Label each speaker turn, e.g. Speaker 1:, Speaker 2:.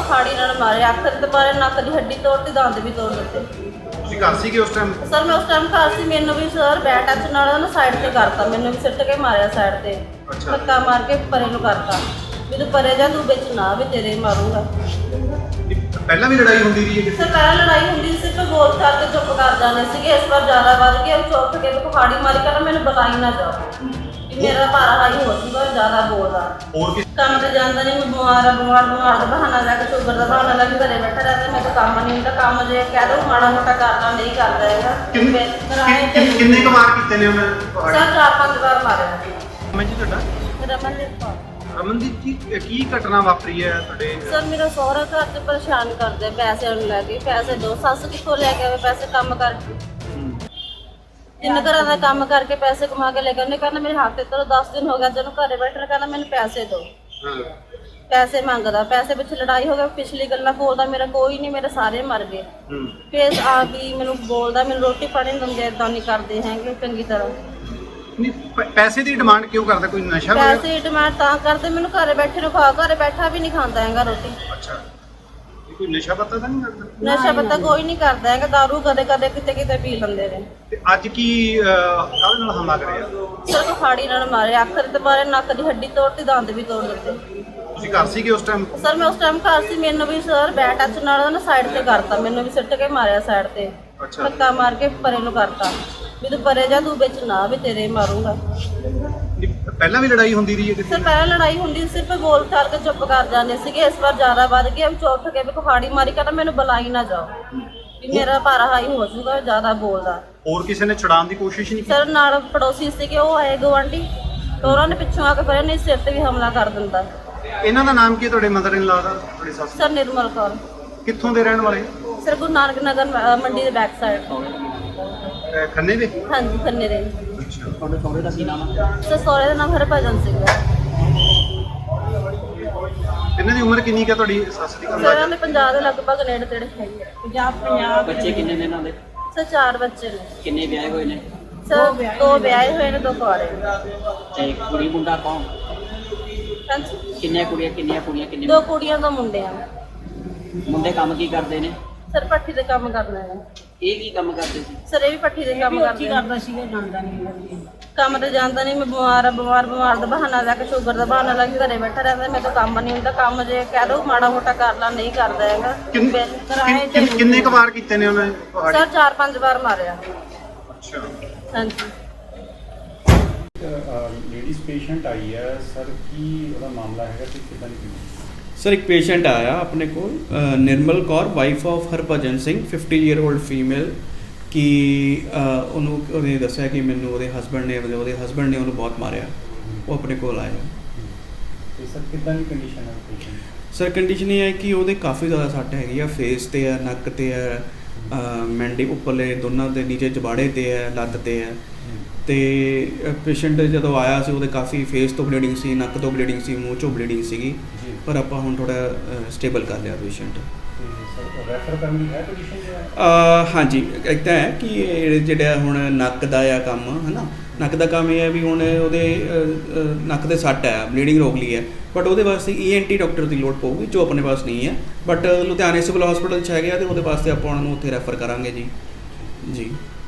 Speaker 1: ਕੁਹਾੜੀ ਨਾਲ ਮਾਰੇ, ਅੱਖ ਤੇ ਮਾਰੇ, ਨੱਕ ਦੀ ਹੱਡੀ ਤੋੜਤੀ, ਦੰਦ ਵੀ ਤੋੜ ਦਿੱਤੇ।
Speaker 2: ਤੁਸੀਂ ਘਰ ਸੀਗੇ ਉਸ ਟਾਈਮ?
Speaker 1: ਸਰ ਮੈਂ ਉਸ ਟਾਈਮ ਘਰ ਸੀ, ਮੈਨੂੰ ਵੀ ਸਰ ਬੈਟ ਟੱਚ ਨਾਲ ਨਾ ਸਾਈਡ ਤੇ ਕਰਤਾ, ਮੈਨੂੰ ਵੀ ਸਿੱਟ ਕੇ ਮਾਰਿਆ ਸਾਈਡ ਤੇ, ਧੱਕਾ ਮਾਰ ਕੇ ਪਰੇ ਨੂੰ ਕਰਤਾ ਵੀ ਤੂੰ ਪਰੇ ਜਾ, ਤੂੰ ਵਿੱਚ ਨਾ ਵੀ ਤੇਰੇ ਮਾਰੂੰਗਾ।
Speaker 2: ਪਹਿਲਾਂ ਵੀ ਲੜਾਈ ਹੁੰਦੀ ਰਹੀ ਹੈ?
Speaker 1: ਸਰ ਪਹਿਲਾਂ ਲੜਾਈ ਹੁੰਦੀ ਸੀ, ਸਿਰਫ ਬੋਲ ਕਰਕੇ ਚੁੱਪ ਕਰ ਜਾਂਦੇ ਸੀਗੇ। ਇਸ ਵਾਰ ਜ਼ਿਆਦਾ ਵੱਧ ਗਿਆ, ਚੁੱਪ ਕੇ ਕੁਹਾੜੀ ਮਾਰੀ, ਕਹਿੰਦਾ ਮੈਨੂੰ ਬੁਲਾਈ ਨਾ ਜਾਓ, ਮੇਰਾ ਭਾਰਾ ਹਾਈ ਹੋ ਜੂਗਾ, ਜ਼ਿਆਦਾ ਬੋਲਦਾ।
Speaker 2: ਹੋਰ ਕਿਸ
Speaker 1: ਕੰਮ ਤੇ ਜਾਂਦਾ ਨਹੀਂ, ਮੈਂ ਬਿਮਾਰ ਦਾ ਬਹਾਨਾ ਲੈ ਕੇ, ਸ਼ੂਗਰ ਦਾ ਬਹਾਨਾ ਲੈ ਕੇ ਘਰੇ ਬੈਠਾ ਰਹਿੰਦਾ। ਮੈਂ ਤਾਂ ਕੰਮ ਨਹੀਂ ਹੁੰਦਾ, ਕੰਮ ਜੇ ਕਹਿ ਦੋ ਮਾੜਾ ਮੋਟਾ ਕਰਦਾ, ਨਹੀਂ ਕਰਦਾ ਹੈਗਾ।
Speaker 2: ਕਿੰਨੇ ਕੁ ਵਾਰ ਕੀਤੇ ਨੇ ਉਹਨੇ?
Speaker 1: ਸਰ 4-5 ਵਾਰ ਮਾਰਿਆ।
Speaker 2: ਮੈਂ ਜੀ ਤੁਹਾਡਾ
Speaker 1: ਰਮਨਦੀਪ ਕੌਰ।
Speaker 2: ਰਮਨਦੀਪ ਜੀ, ਕੀ ਘਟਨਾ ਵਾਪਰੀ ਹੈ ਤੁਹਾਡੇ?
Speaker 1: ਸਰ ਮੇਰਾ ਸਹੁਰਾ ਘਰ 'ਚ ਪਰੇਸ਼ਾਨ ਕਰਦੇ, ਪੈਸੇ ਨੂੰ ਲੈ ਕੇ, ਪੈਸੇ ਦੋ, ਸੱਸ ਕਿੱਥੋਂ ਲੈ ਕੇ ਆਵੇ ਪੈਸੇ ਕੰਮ ਕਰਕੇ, ਜਿੰਨੇ ਘਰਾਂ ਦਾ ਕੰਮ ਕਰਕੇ ਪੈਸੇ ਕਮਾ ਕੇ ਲੈ ਕੇ, ਉਹਨੇ ਕਹਿੰਦਾ ਮੇਰੇ ਹੱਥ ਤੇ 10 ਦਿਨ ਹੋ ਗਿਆ ਜਦੋਂ ਘਰੇ ਬੈਠਣਾ, ਕਹਿੰਦਾ ਮੈਨੂੰ ਪੈਸੇ ਦਿਓ। ਪੈਸੇ ਮੰਗਦਾ, ਪੈਸੇ ਪਿੱਛੇ ਲੜਾਈ ਹੋ ਗਈ, ਪਿਛਲੀ ਗੱਲਾਂ ਬੋਲਦਾ, ਮੇਰਾ ਕੋਈ ਨਹੀਂ, ਮੇਰੇ ਸਾਰੇ ਮਰ ਗਏ। ਫੇਰ ਆ ਵੀ ਮੈਨੂੰ ਬੋਲਦਾ, ਮੈਨੂੰ ਰੋਟੀ ਪਾਣੀ ਨਹੀਂ ਦਿੰਦੇ, ਏਦਾਂ ਨਹੀਂ ਕਰਦੇ ਹੈਗੇ ਚੰਗੀ ਤਰ੍ਹਾਂ।
Speaker 2: ਪੈਸੇ ਦੀ ਡਿਮਾਂਡ ਕਿਉਂ ਕਰਦਾ? ਕੋਈ ਨਸ਼ਾ?
Speaker 1: ਪੈਸੇ ਦੀ ਡਿਮਾਂਡ ਤਾਂ ਕਰਦੇ, ਮੈਨੂੰ ਘਰੇ ਬੈਠੇ ਨੂੰ ਖਾ, ਘਰੇ ਬੈਠਾ ਵੀ ਨਹੀਂ ਖਾਂਦਾ ਹੈਗਾ ਰੋਟੀ।
Speaker 2: ਅੱਛਾ, ਕੋਈ ਨਸ਼ਾ ਪੱਤਾ ਤਾਂ ਨਹੀਂ ਕਰਦਾ?
Speaker 1: ਨਸ਼ਾ ਪੱਤਾ ਕੋਈ ਨਹੀਂ ਕਰਦਾ ਹੈਗਾ, ਦਾਰੂ ਕਦੇ ਕਦੇ ਕਿਤੇ ਕਿਤੇ ਪੀ ਲੈਂਦੇ ਨੇ।
Speaker 2: ਤੇ ਅੱਜ ਕੀ ਕਾਹਦੇ ਨਾਲ ਹਮਲਾ ਕਰਿਆ?
Speaker 1: ਸਰ ਕੁਹਾੜੀ ਨਾਲ ਮਾਰੇ, ਅੱਖ ਤੇ ਮਾਰੇ, ਨੱਕ ਦੀ ਹੱਡੀ ਤੋੜਤੀ, ਦੰਦ ਵੀ ਤੋੜ ਦਿੱਤੇ।
Speaker 2: ਤੁਸੀਂ ਘਰ ਸੀਗੇ ਉਸ ਟਾਈਮ?
Speaker 1: ਸਰ ਮੈਂ ਉਸ ਟਾਈਮ ਘਰ ਸੀ, ਮੈਨੂੰ ਵੀ ਸਰ ਬੈਟ ਟੱਚ ਨਾਲ ਨਾ ਸਾਈਡ ਤੇ ਕਰਤਾ, ਮੈਨੂੰ ਵੀ ਸਿੱਟ ਕੇ ਮਾਰਿਆ ਸਾਈਡ ਤੇ, ਧੱਕਾ ਮਾਰ ਕੇ ਪਰੇ ਨੂੰ ਕਰਤਾ ਵੀ ਤੂੰ ਪਰੇ ਜਾ, ਤੂੰ ਵਿੱਚ ਨਾ ਵੀ ਤੇਰੇ ਮਾਰੂੰਗਾ।
Speaker 2: ਪਹਿਲਾਂ ਵੀ ਲੜਾਈ ਹੁੰਦੀ ਰਹੀ ਹੈ?
Speaker 1: ਸਰ ਪਹਿਲਾਂ ਲੜਾਈ ਹੁੰਦੀ ਸੀ, ਸਿਰਫ ਬੋਲ ਕਰਕੇ ਚੁੱਪ ਕਰ ਜਾਂਦੇ ਸੀਗੇ। ਇਸ ਵਾਰ ਜ਼ਿਆਦਾ ਵੱਧ ਗਿਆ, ਉੱਠ ਕੇ ਵੀ ਕੁਹਾੜੀ ਮਾਰੀ, ਕਹਿੰਦਾ ਮੈਨੂੰ ਬੁਲਾਈ ਨਾ ਜਾਓ, ਵੀ ਮੇਰਾ ਭਾਰਾ ਹਾਈ ਹੋ ਜੂਗਾ, ਜ਼ਿਆਦਾ ਬੋਲਦਾ।
Speaker 2: ਹੋਰ ਕਿਸੇ ਨੇ ਛੁਡਾਉਣ ਦੀ ਕੋਸ਼ਿਸ਼ ਨਹੀਂ ਕੀਤੀ?
Speaker 1: ਸਰ ਨਾਲ ਪੜੋਸੀ ਸੀਗੇ, ਉਹ ਆਏ ਗਵਾਂਢੀ, ਤਾਂ ਉਹਨਾਂ ਨੇ ਪਿੱਛੋਂ ਆ ਕੇ ਫਿਰ ਇਹਨੇ ਸਿਰ ਤੇ ਵੀ ਹਮਲਾ ਕਰ ਦਿੰਦਾ।
Speaker 2: ਇਹਨਾਂ ਦਾ ਨਾਮ ਕੀ ਹੈ ਤੁਹਾਡੇ ਮਦਰ ਇਨ ਲਾ ਦਾ, ਤੁਹਾਡੀ ਸੱਸ?
Speaker 1: ਸਰ ਨਿਰਮਲ ਕੌਰ।
Speaker 2: ਕਿੱਥੋਂ ਦੇ ਰਹਿਣ ਵਾਲੇ?
Speaker 1: ਸਰ ਗੁਰੂ ਨਾਨਕ ਨਗਰ ਮੰਡੀ ਦੇ ਬੈਕ ਸਾਈਡ।
Speaker 2: ਖੰਨੇ ਦੇ?
Speaker 1: ਹਾਂਜੀ ਖੰਨੇ ਦੇ।
Speaker 2: ਅੱਛਾ,
Speaker 3: ਤੁਹਾਡੇ ਸਹੁਰੇ ਦਾ ਕੀ ਨਾਮ ਹੈ?
Speaker 1: ਸਰ ਸਹੁਰੇ ਦਾ ਨਾਮ ਹਰਭਜਨ ਸਿੰਘ ਹੈ।
Speaker 2: ਇਹਨਾਂ ਦੀ ਉਮਰ ਕਿੰਨੀ ਕੁ ਹੈ ਤੁਹਾਡੀ ਸੱਸ ਦੀ?
Speaker 1: ਸਰ ਇਹਨਾਂ ਦੇ 50 ਦੇ ਲਗਭਗ ਨੇੜੇ ਤੇੜੇ ਹੈਗੀ ਹੈ। 50
Speaker 3: ਬੱਚੇ ਕਿੰਨੇ ਨੇ ਇਹਨਾਂ ਦੇ?
Speaker 1: ਸਰ 4 ਬੱਚੇ ਨੇ।
Speaker 3: ਕਿੰਨੇ ਵਿਆਹੇ ਹੋਏ ਨੇ?
Speaker 1: ਸਰ 2 ਵਿਆਹੇ ਹੋਏ ਨੇ, 2 ਕੁਆਰੇ।
Speaker 3: ਤੇ ਕੁੜੀ ਮੁੰਡਾ ਕੌਣ?
Speaker 1: ਹਾਂਜੀ
Speaker 3: ਕਿੰਨੀਆਂ ਕੁੜੀਆਂ ਕਿੰਨੇ
Speaker 1: 2 ਕੁੜੀਆਂ 2 ਮੁੰਡੇ ਆ।
Speaker 3: ਮੁੰਡੇ ਕੰਮ ਕੀ ਕਰਦੇ ਨੇ?
Speaker 1: ਸਰ ਪੱਠੀ ਦੇ ਕੰਮ ਕਰਨਾ ਹੈ।
Speaker 3: ਇਹ ਕੀ ਕੰਮ ਕਰਦੇ ਸੀ?
Speaker 1: ਸਰ ਇਹ ਵੀ ਪੱਠੀ ਦੇ ਕੰਮ ਕਰਦਾ ਸੀਗਾ, ਜਾਂਦਾ ਨਹੀਂ ਕੰਮ ਤੇ ਜਾਂਦਾ ਨਹੀਂ। ਮੈਂ ਬਿਮਾਰ ਦਾ ਬਹਾਨਾ ਲੈ ਕੇ, ਸ਼ੂਗਰ ਦਾ ਬਹਾਨਾ ਲੈ ਕੇ ਘਰੇ ਬੈਠਾ ਰਹਿੰਦਾ। ਮੈਂ ਤਾਂ ਕੰਮ ਨਹੀਂ ਹੁੰਦਾ, ਕੰਮ ਜੇ ਕਹਿ ਦੋ ਮਾੜਾ ਮੋਟਾ ਕਰ ਲਾ, ਨਹੀਂ ਕਰਦਾ ਹੈਗਾ।
Speaker 2: ਕਿੰਨੇ ਕੁ ਵਾਰ ਕੀਤੇ ਨੇ ਉਹਨੇ?
Speaker 1: ਸਰ 4-5 ਵਾਰ ਮਾਰਿਆ।
Speaker 2: ਅੱਛਾ,
Speaker 1: ਹਾਂਜੀ।
Speaker 4: ਲੇਡੀਜ਼ ਪੇਸ਼ੈਂਟ ਆਈ ਹੈ ਸਰ, ਕੀ ਉਹਦਾ ਮਾਮਲਾ ਹੈਗਾ ਤੇ ਕਿੱਦਾਂ ਦੀ?
Speaker 5: ਸਰ ਇੱਕ ਪੇਸ਼ੈਂਟ ਆਇਆ ਆਪਣੇ ਕੋਲ, Nirmal Kaur, wife of Harbhajan Singh, 50 year old female, ਕਿ ਉਹਨੂੰ ਉਹਨੇ ਦੱਸਿਆ ਕਿ ਮੈਨੂੰ ਉਹਦੇ ਹਸਬੈਂਡ ਨੇ ਉਹਨੂੰ ਬਹੁਤ ਮਾਰਿਆ। ਉਹ ਆਪਣੇ ਕੋਲ ਆਇਆ।
Speaker 4: ਤੇ ਸਰ ਕਿੱਦਾਂ ਦੀ ਕੰਡੀਸ਼ਨ ਹੈ ਪੇਸ਼ੈਂਟ?
Speaker 5: ਸਰ ਕੰਡੀਸ਼ਨ ਇਹ ਹੈ ਕਿ ਉਹਦੇ ਕਾਫੀ ਜ਼ਿਆਦਾ ਸੱਟ ਹੈਗੀ ਆ, ਫੇਸ ਤੇ ਹੈ, ਨੱਕ ਤੇ ਹੈ, ਮੈਂਡੀ ਉੱਪਰਲੇ ਦੋਨਾਂ ਦੇ ਨੀਚੇ ਜਬਾੜੇ ਤੇ ਹੈ, ਲੱਤ ਤੇ ਹੈ। ਤੇ ਪੇਸ਼ੈਂਟ ਜਦੋਂ ਆਇਆ ਸੀ ਉਹਦੇ ਕਾਫੀ ਫੇਸ ਤੋਂ ਬਲੀਡਿੰਗ ਸੀ, ਨੱਕ ਤੋਂ ਬਲੀਡਿੰਗ ਸੀ, ਮੂੰਹ ਚੋਂ ਬਲੀਡਿੰਗ ਸੀਗੀ, ਪਰ ਆਪਾਂ ਹੁਣ ਥੋੜਾ ਸਟੇਬਲ ਕਰ ਲਿਆ ਪੇਸ਼ੈਂਟ।
Speaker 4: ਰੈਫਰ ਕਰਨ ਦੀ ਹੈ ਕੰਡੀਸ਼ਨ?
Speaker 5: ਹਾਂਜੀ, ਇੱਕ ਤਾਂ ਹੈ ਕਿ ਜਿਹੜਾ ਹੁਣ ਨੱਕ ਦਾ ਆ ਕੰਮ ਹੈ ਨਾ, ਨੱਕ ਦਾ ਕੰਮ ਇਹ ਹੈ ਵੀ ਹੁਣ ਉਹਦੇ ਨੱਕ ਦੇ ਸੱਟ ਹੈ, ਬਲੀਡਿੰਗ ਰੋਕ ਲਈ ਹੈ, ਬਟ ਉਹਦੇ ਵਾਸਤੇ ENT ਡਾਕਟਰ ਦੀ ਲੋੜ ਪਊਗੀ, ਜੋ ਆਪਣੇ ਪਾਸ ਨਹੀਂ ਹੈ। ਬਟ ਲੁਧਿਆਣੇ ਸਿਵਲ ਹਸਪੀਟਲ 'ਚ ਹੈਗੇ ਆ, ਅਤੇ ਉਹਦੇ ਵਾਸਤੇ ਆਪਾਂ ਉਹਨਾਂ ਨੂੰ ਉੱਥੇ ਰੈਫਰ ਕਰਾਂਗੇ ਜੀ।